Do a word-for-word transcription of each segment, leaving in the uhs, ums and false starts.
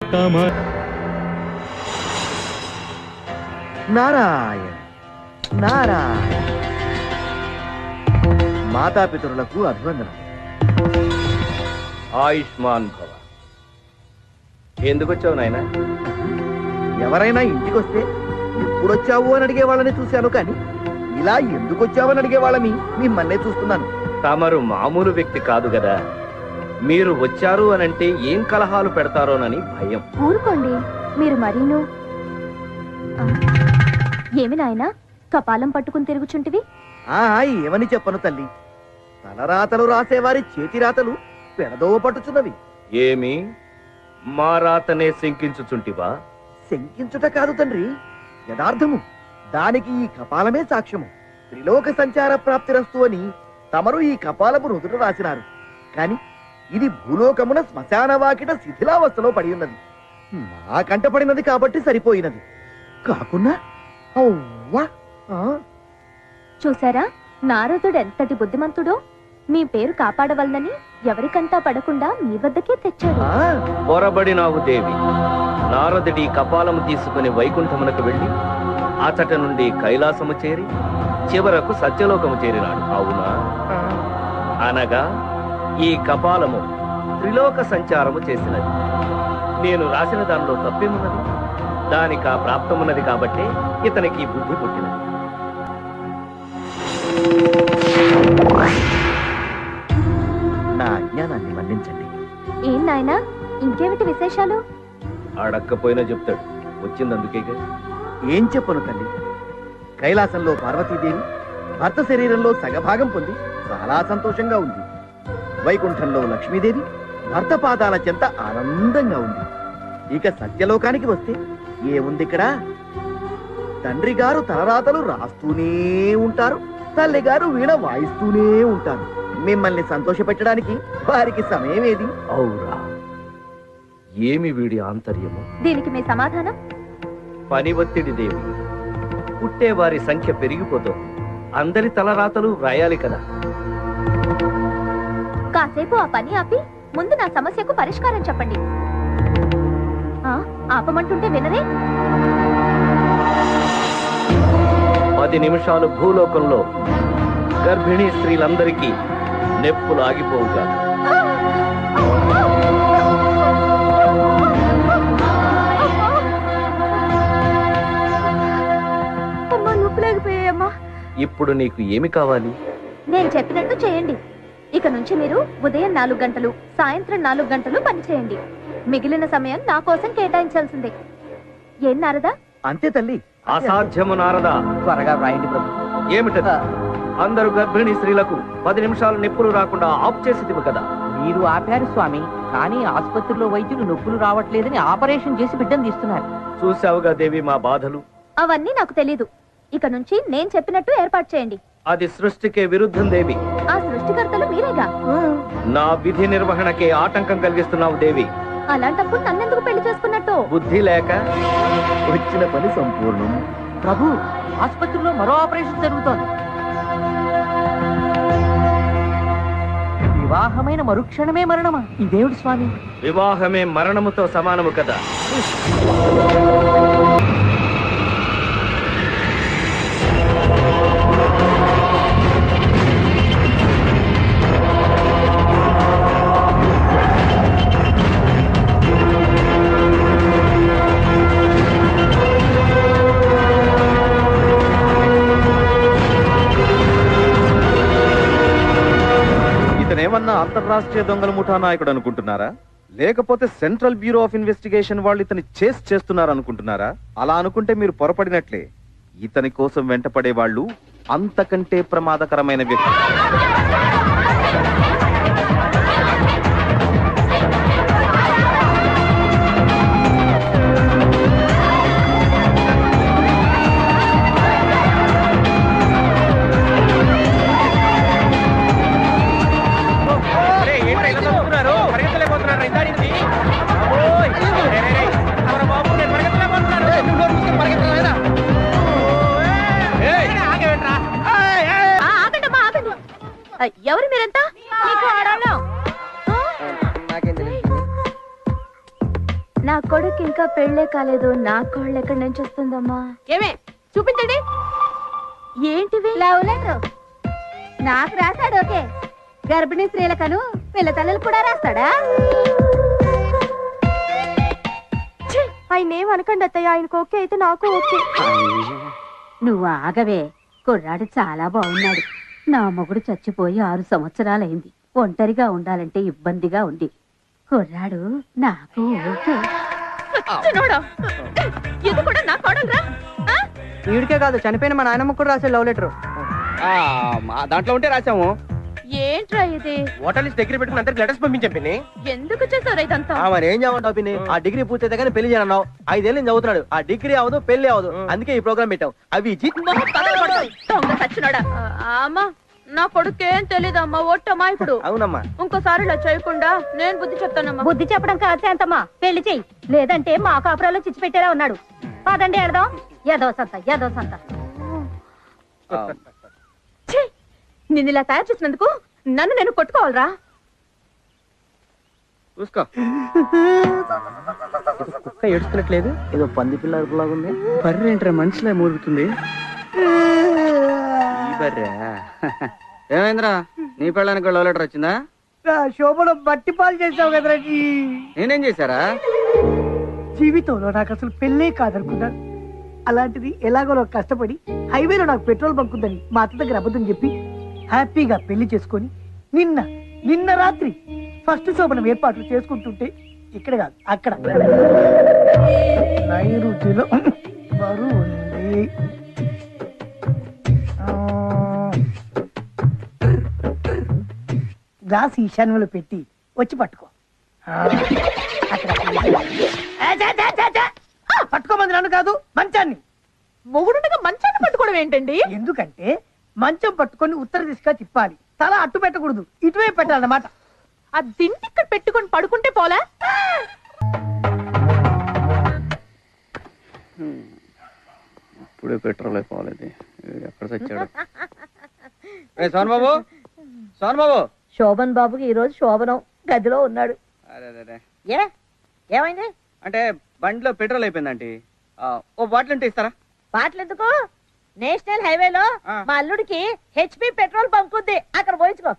Comma Narayana Narayana. మాతాపితరులకు అభివందనం. ఆయుష్మాన్ భవ. ఎందుకు వచ్చావు నాయన? ఎవరైనా ఇంటికి వస్తే ఎప్పుడొచ్చావు అని అడిగే వాళ్ళని చూశాను, కానీ ఇలా ఎందుకు వచ్చావని అడిగే వాళ్ళని మిమ్మల్నే చూస్తున్నాను. తమరు మామూలు వ్యక్తి కాదు కదా, మీరు వచ్చారు అనంటే ఏం కలహాలు పెడతారోనని భయం. ఊరుకోండి మీరు మరీను. ఏమి నాయనా కపాలం పట్టుకుని తిరుగుచుంటివి? ఆ ఏమని చెప్పను తల్లి, తలరాతలు రాసేవారి చేతి రాతలు పెడదోవ పట్టుచున్నవి. ఏమి మా రాతనే శంకించుచుంటివా? శంకించుట కాదు తండ్రి, యథార్థము. దానికి ఈ కపాలమే సాక్ష్యము. త్రిలోక సంచార ప్రాప్తిరస్తు అని తమరు ఈ కపాలము రుదుట రాసినారు, కాని ఇది భూలోకమున శ్మశాన వాకిట శిథిలావస్థలో పడి ఉన్నది. నా కంట పడినది కాబట్టి సరిపోయినది, కాకున్నా అవ్వా. చూసారా నారదుడు ఎంతటి బుద్ధిమంతుడో. మీ పేరు కాపాడవలనని ఎవరికంటా పడకుండా మీ వద్దకే తెచ్చాడు. పొరబడినావు దేవి. నారదుడి కపాలము తీసుకుని వైకుంఠమునకు వెళ్లి అచట నుండి కైలాసము చేరి చివరకు సత్యలోకము చేరినాడు, అవునా? అనగా ఈ కపాలము త్రిలోక సంచారము చేసినది. నేను రాసిన దానిలో తప్పేమున్నది? దానికి ఆ ప్రాప్తమున్నది కాబట్టి ఇతనికి బుద్ధి పుట్టినది. నా అజ్ఞానాన్ని మన్నించండి. ఏం నాయనా ఇంకేమిటి విశేషాలు? అడక్కపోయినా చెప్తాడు, వచ్చిందందుకేగా. ఏం చెప్పను తల్లి, కైలాసంలో పార్వతీదేవి భర్త శరీరంలో సగభాగం పొంది చాలా సంతోషంగా ఉంది. వైకుంఠంలో లక్ష్మీదేవి భర్త పాదాల చెంత ఆనందంగా ఉంది. ఇక సత్యలోకానికి వస్తే ఏముంది ఇక్కడ? తండ్రి గారు తలరాతలు రాస్తూనే ఉంటారు, తల్లి గారు వీణ వాయిస్తూనే ఉంటారు. మిమ్మల్ని సంతోష పెట్టడానికి వారికి సమయం ఏది? అవురా, ఏమి వీడి ఆంతర్యము? దీనికి మీ సమాధానం? పని ఒత్తిడి దేవి. పుట్టేవారి సంఖ్య పెరిగిపోతుంది, అందరి తలరాతలు వ్రాయాలి కదా. కాసేపు ఆ పని ఆపి ముందు నా సమస్యకు పరిష్కారం చెప్పండి. ఆ ఆపమంటుంటే వినరే? పది నిమిషాలు భూలోకంలో గర్భిణీ స్త్రీలందరికీ నెప్పులు ఆగిపోవుగా. ఇప్పుడు నీకు ఏమి కావాలి? నేను చెప్పినట్టు చేయండి. ఇక నుంచి మీరు ఉదయం నాలుగు గంటలు సాయంత్రం నాలుగు గంటలు పని చేయండి. మిగిలిన సమయం నా కోసం కేటాయించాల్సిందే. ఏం నారదా? అంతే తల్లి. అసాధ్యము నారదా. త్వరగా రాయండి ప్రభు. ఏమిటది? అందరూ గర్భిణీ స్త్రీలకు పది నిమిషాలు నొప్పులు రాకుండా ఆఫ్ చేసి కదా. మీరు ఆపారు స్వామి, కానీ ఆసుపత్రిలో వైద్యులు నొప్పులు రావట్లేదని ఆపరేషన్ చేసి బిడ్డను తీస్తున్నారు. చూసావుగా దేవి మా బాధలు. అవన్నీ నాకు తెలీదు. ఇక నుంచి నేను చెప్పినట్టు ఏర్పాటు చేయండి. అది సృష్టికే విరుద్ధం దేవి. ఆ సృష్టికర్తలు మీరేగా. నా విధి నిర్వహణకే ఆటంకం కలిగిస్తున్నావు దేవి. అలాంటప్పుడు నన్నెందుకు పెళ్లి చేసుకున్నట్టు? బుద్ధి లేక. వచ్చిన పని సంపూర్ణం. ప్రభు, ఆసుపత్రిలో మరో ఆపరేషన్ జరుగుతోంది. వివాహమైన మరుక్షణమే మరణమా? ఇదేమిటి స్వామి? వివాహమే మరణముతో సమానము కదా. ఇతనేమన్నా అంతర్రాష్ట్రీయ దొంగల ముఠా నాయకుడు అనుకుంటున్నారా? లేకపోతే సెంట్రల్ బ్యూరో ఆఫ్ ఇన్వెస్టిగేషన్ వాళ్ళు ఇతని చేస్ చేస్తున్నారు అనుకుంటున్నారా? అలా అనుకుంటే మీరు పొరపడినట్లే. ఇతని కోసం వెంటపడే వాళ్ళు అంతకంటే ప్రమాదకరమైన వ్యక్తి. ఎవరు మీరంతా? కొడుకు ఇంకా పెళ్ళే కాలేదు నా కోళ్ళు ఎక్కడి నుంచి వస్తుందమ్మా? ఏమే చూపించండి. ఏంటివి? లవ్ లెటర్ నాకు రాశాడు. ఓకే, గర్భిణీ స్త్రీలకను పిల్ల తల్లులు కూడా రాస్తాడా? ఆయన ఏం అనకండి అత్తయ్య, ఆయనకు ఓకే అయితే నాకు ఓకే. నువ్వు ఆగవే, కుర్రాడు చాలా బాగున్నాడు. నా మొగుడు చచ్చిపోయి ఆరు సంవత్సరాలైంది. ఒంటరిగా ఉండాలంటే ఇబ్బందిగా ఉంది. కుర్రాడు నాకు ఓకే. ఇది కూడా నా కోడలురా? వీడికే కాదు, చనిపోయిన మా నాయనమ్మ కూడా రాసే లవ్ లెటర్. దాంట్లో ఉంటే రాసాము. ఏంట్రా ఇది? ఓటర్ లిస్ట్ దగ్గర పెట్టుకుని అందరికి లెటర్స్ పంపించాం పిన్ని. ఎందుకు చేసావు ఇదంతా? మరి ఏం చేయమంటావు పిన్ని? ఆ డిగ్రీ పూర్తయితే కానీ పెళ్లి చేయనన్నావు. ఐదేళ్ళు నేను చదువుతున్నాడు. ఆ డిగ్రీ అవదు, పెళ్లి అవదు. అందుకే ఈ ప్రోగ్రామ్ పెట్టావు. అవి దొంగ సచ్చినోడా. అమ్మా, నా కొడుకేం తెలీదమ్మా, ఒట్టమ్మా. ఇప్పుడు అవునమ్మా. ఇంకోసారి ఇలా చేయకుండా నేను బుద్ధి చెప్తానమ్మా. బుద్ధి చెప్పడం కాదు శాంతమ్మా, పెళ్లి చెయ్యి. లేదంటే మా కాపురాలో చిచ్చి పెట్టేలా ఉన్నాడు. పదండి వెళదాం. ఏదో సంత ఏదో సంత. నిన్ను ఇలా తయారు చేసినందుకు నన్ను నేను కొట్టుకోవాలరా? చూసుకో. కుక్క ఏడుస్తున్నట్లేదు, ఏదో పంది పిల్ల అరుపులాగా ఉంది. బర్రె ఏంట్రా మనిషిలా మూలుగుతుంది. ఈ బర్రె ఏమైందిరా? నీ పెళ్ళానికి లవ్ లెటర్ వచ్చిందా? శోభలో బట్టి పాలు చేసావు కదరా. నేనేం చేశారా? జీవితంలో నాకు అసలు పెళ్ళే కాదనుకున్నాను. అలాంటిది ఎలాగో కష్టపడి హైవేలో నాకు పెట్రోల్ బంక్ ఉందని మా అత్త దగ్గర అబద్ధం చెప్పి హ్యాపీగా పెళ్లి చేసుకొని నిన్న నిన్న రాత్రి ఫస్ట్ శోభనం ఏర్పాట్లు చేసుకుంటుంటే ఇక్కడ కాదు అక్కడ నైరుతిలో బరువు ఉంది. గ్లాస్ ఈశాన్యంలో పెట్టి వచ్చి పట్టుకో. పట్టుకోమంది నన్ను కాదు, మంచాన్ని. మొగుడుగా మంచాన్ని పట్టుకోవడం ఏంటండి? ఎందుకంటే మంచం పట్టుకొని ఉత్తర దిశగా తిప్పాలి. తల అట్టు పెట్టకూడదు, ఇటువైపు పెట్టాలన్నమాట. ఆ దిండి ఇక్కడ పెట్టుకొని పడుకుంటే పోలా? ఇప్పుడే పెట్రోల్ అయిపోవాలి. ఎక్కడ చచ్చాడు? సోన్ బాబు, సోన్ బాబు. శోభన్ బాబుకి ఈ రోజు శోభనం, గదిలో ఉన్నాడు. అదే ఏ ఏమైంది? అంటే బండిలో పెట్రోల్ అయిపోయిందండి. ఓ బాటిల్ ఉంటే ఇస్తారా? బాటలు ఎందుకు? నేషనల్ హైవేలో ఆ. మా అల్లుడికి హెచ్పి పెట్రోల్ బంక్ ఉంది, అక్కడ పోయించుకో.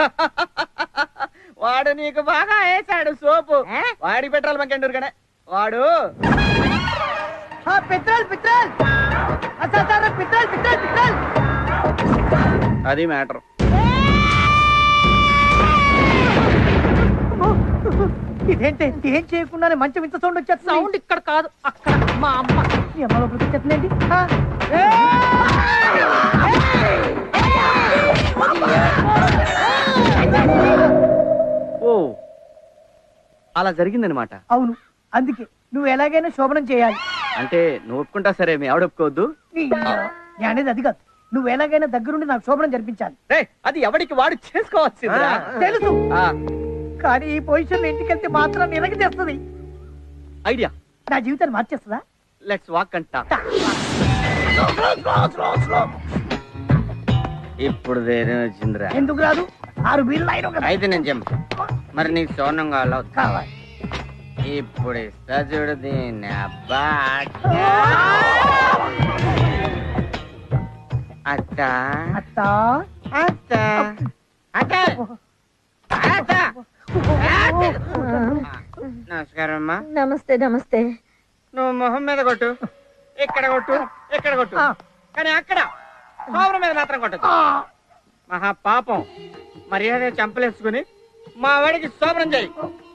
వాడు నీకు బాగా వేసాడు సోపు. ఏ? వాడి పెట్రోల్ బంక్ ఎండూరు కానీ వాడు petrol petrol petrol petrol petrol. అది మ్యాటర్. ఇదేంటి ఏం చేయకుండానే మంచం ఇంత సౌండ్ వచ్చేది? సౌండ్ ఇక్కడ కాదు, అక్కడ. మా అమ్మ మీ అమ్మ లోపలికి వచ్చేస్తుందండి. ఓ అలా జరిగిందనమాట. అవును, అందుకే నువ్వు ఎలాగైనా శోభనం చేయాలి. అంటే నువ్వు ఒప్పుకుంటా సరే, మీ ఆవిడ ఒప్పుకోవద్దు. నీ- నేను అనేది అది కాదు, నువ్వు ఎలాగైనా దగ్గరుండి నాకు శోభనం జరిపించాలి. రేయ్, అది ఎవడికి వాడు చేసుకోవాల్సిందిరా. తెలుసు, ఆ, కానీ ఈ పొజిషన్ ఇంటికి వెళ్తే మాత్రం నినకి తెస్తుంది. ఐడియా. నా జీవితాన్ని మార్చేస్తుందా? లెట్స్ వాక్ అంట. ఇప్పుడు ధైర్యం వచ్చిందిరా. ఎందుకు రాదు? ఆరు బీర్లు అయిన కదా. అయితే నేను చెప్పు, మరి నీకు సోనం కావాలా? కావాలి. ఇప్పుడు ఇస్తా చూడు దీన్ని. అబ్బా అత్త అత్త అత్త అత్త అత్త. నమస్కారం అమ్మా. నమస్తే నమస్తే. నువ్వు మొహం మీద కొట్టు, ఇక్కడ కొట్టు, ఇక్కడ కొట్టు, కానీ అక్కడ సోమరం మీద మాత్రం కొట్టదు. మహా పాపం. మర్యాద చంపలేసుకుని మా వాడికి సోమరం చేయి.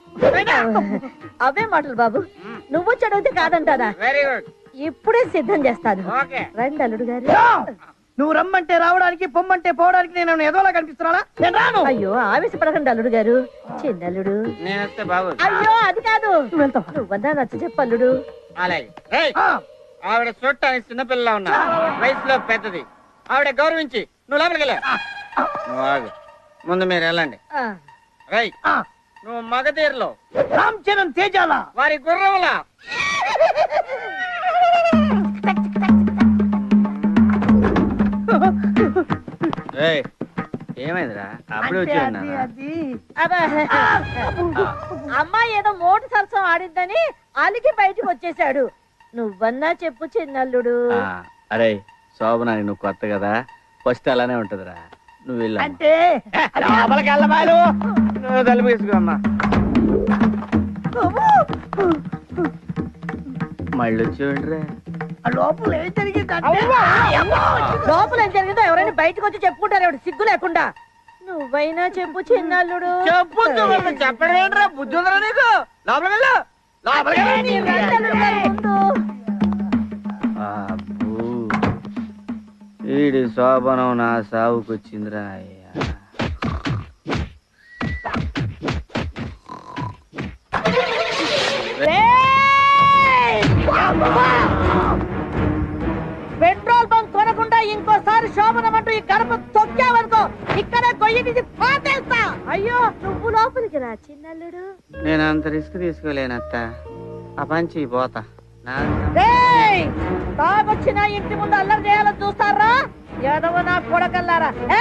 అవే మాటలు బాబు, నువ్వు చదివితే కాదంటారా? Very good. ఇప్పుడే సిద్ధం చేస్తాను. ఓకే. రండి అల్లుడు గారు. నువ్వు రమ్మంటే రావడానికి, పొమ్మంటే పోవడానికి నేను ఏదోలా కనిపిస్తున్నానా? నేను రాను. అయ్యో ఆవేశపడకండి అల్లుడు గారు, చిన్నల్లుడు. నేను వస్తే బాబు. అయ్యో అది కాదు, నువ్వు వెళ్తావా? నువ్వన్నా నచ్చ చెప్పల్లుడు. అలాగే. రేయ్, ఆ, ఆవిడ చూడటానికి చిన్నపిల్ల ఉన్నా, వయసులో పెద్దది. ఆవిడ గౌరవించి నువ్వు లోపలికి వెళ్ళా. నువ్వు ఆగు, ముందు మీరు వెళ్ళండి. ఆ, రై, ఆ, నువ్వు మగధీరలో రామ్ చరణ్ తేజాల వారి గుర్రములా. ఏమైందిరా అప్పుడే వచ్చి అది అమ్మాయి ఏదో మోటు సరసం ఆడిద్దని అలిగి బయటికి వచ్చేసాడు. నువ్వన్నా చెప్పు చిన్నల్లుడు. అరే శోభన నువ్వు కొత్త కదా, ఫస్ట్ అలానే ఉంటదిరా. నువ్వు వెళ్ళా అంటే లోపలికి వెళ్ళబాలు, నువ్వు తలుపు వేసుకోమ్మా. మళ్ళీ వచ్చేయండిరా. లోపల ఏం జరిగిందంటే లోపల ఏం జరిగిందో ఎవరైనా బయటకు వచ్చి చెప్పుకుంటారు ఎవడు సిగ్గు లేకుండా. నువ్వైనా చెప్పు చిన్నల్లుడు. చెప్పు చెప్పడేంట్రా, బుద్ధి ఉందరా నీకు? లోపలికి వెళ్ళు, లోపలికి వెళ్ళు. అబ్బో, ఈడి శోభనం నా సావుకొచ్చిందిరా అయ్యా. పెట్రోల్ బంక్ కొనకుండా ఇంకోసారి శోభనం అంటూ ఈ గడప తొక్కావనుకో ఇక్కడే గొయ్యి తీసి పాతేస్తా. అయ్యో నువ్వు లోపలికి రా చిన్నల్లుడు. నేను అంత రిస్క్ తీసుకోలేనత్త, ఆ పంచి పోతా. తాగొచ్చిన ఇంటి ముందు అల్లరి చేయాలని చూస్తారా? ఎదవ నా కొడకల్లారా.